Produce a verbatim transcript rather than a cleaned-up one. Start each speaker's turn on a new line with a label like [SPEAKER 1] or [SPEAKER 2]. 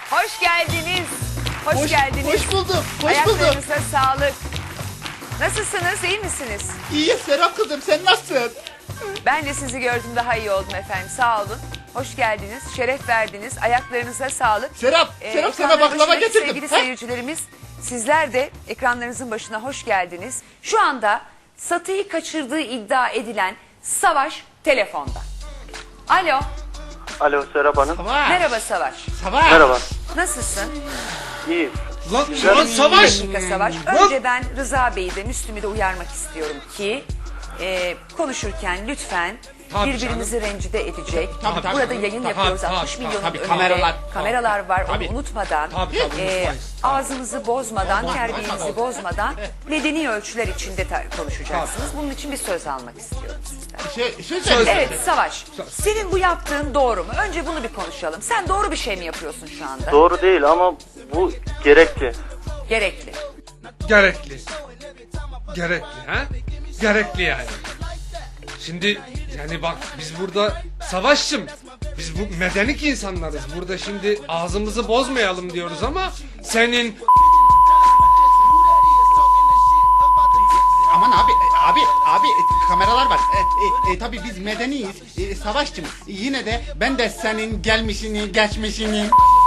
[SPEAKER 1] Hoş geldiniz. Hoş,
[SPEAKER 2] Hoş,
[SPEAKER 1] geldiniz.
[SPEAKER 2] hoş buldum, hoş buldum.
[SPEAKER 1] Ayaklarınıza sağlık. Nasılsınız, iyi misiniz?
[SPEAKER 2] İyi Serap kızım, sen nasılsın?
[SPEAKER 1] Ben de sizi gördüm, daha iyi oldum efendim. Sağ olun. Hoş geldiniz, şeref verdiniz. Ayaklarınıza sağlık.
[SPEAKER 2] Serap,
[SPEAKER 1] Ee,
[SPEAKER 2] Serap sana
[SPEAKER 1] ekranların
[SPEAKER 2] baklava
[SPEAKER 1] başındaki
[SPEAKER 2] getirdim.
[SPEAKER 1] Sevgili
[SPEAKER 2] Heh.
[SPEAKER 1] seyircilerimiz, sizler de ekranlarınızın başına hoş geldiniz. Şu anda Satı'yı kaçırdığı iddia edilen Savaş telefonda. Alo,
[SPEAKER 3] Alo Serap Hanım.
[SPEAKER 2] Savaş.
[SPEAKER 1] merhaba Savaş.
[SPEAKER 2] Savaş.
[SPEAKER 3] Merhaba.
[SPEAKER 1] Nasılsın?
[SPEAKER 3] İyi.
[SPEAKER 4] Lan, lan Savaş!
[SPEAKER 1] Bir dakika Savaş. Önce ben Rıza Bey'i de Müslüm'ü de uyarmak istiyorum ki e, konuşurken lütfen
[SPEAKER 4] Tabii
[SPEAKER 1] birbirimizi rencide edecek.
[SPEAKER 2] Tabii, tabii.
[SPEAKER 1] Burada yayın
[SPEAKER 4] Tabii,
[SPEAKER 1] yapıyoruz.
[SPEAKER 4] tabii,
[SPEAKER 1] altmış
[SPEAKER 4] tabii,
[SPEAKER 1] milyonun
[SPEAKER 2] tabii,
[SPEAKER 1] önünde
[SPEAKER 2] kameralar.
[SPEAKER 1] kameralar var.
[SPEAKER 2] Tabii.
[SPEAKER 1] Onu unutmadan
[SPEAKER 4] Tabii, tabii,
[SPEAKER 1] e,
[SPEAKER 4] unutmayız.
[SPEAKER 1] ağzımızı bozmadan,
[SPEAKER 2] Tabii,
[SPEAKER 1] terbiyemizi
[SPEAKER 2] tabii.
[SPEAKER 1] bozmadan medeni ölçüler içinde ta- konuşacaksınız. Bunun için bir söz almak istiyorum sizden.
[SPEAKER 2] Şey, şey
[SPEAKER 4] Söz-
[SPEAKER 2] söyle.
[SPEAKER 1] Evet Savaş, senin bu yaptığın doğru mu? Önce bunu bir konuşalım. Sen doğru bir şey mi yapıyorsun şu anda?
[SPEAKER 3] Doğru değil ama bu gerekli.
[SPEAKER 1] Gerekli.
[SPEAKER 4] Gerekli. Gerekli ha? Gerekli yani. Şimdi yani bak biz burada Savaşçım. Biz bu medenik insanlarız. Burada şimdi ağzımızı bozmayalım diyoruz ama senin
[SPEAKER 2] Aman abi, e, abi, abi e, kameralar var. E, e, e, tabii biz medeniyiz, e, savaşçım. Yine de ben de senin gelmişini, geçmişini...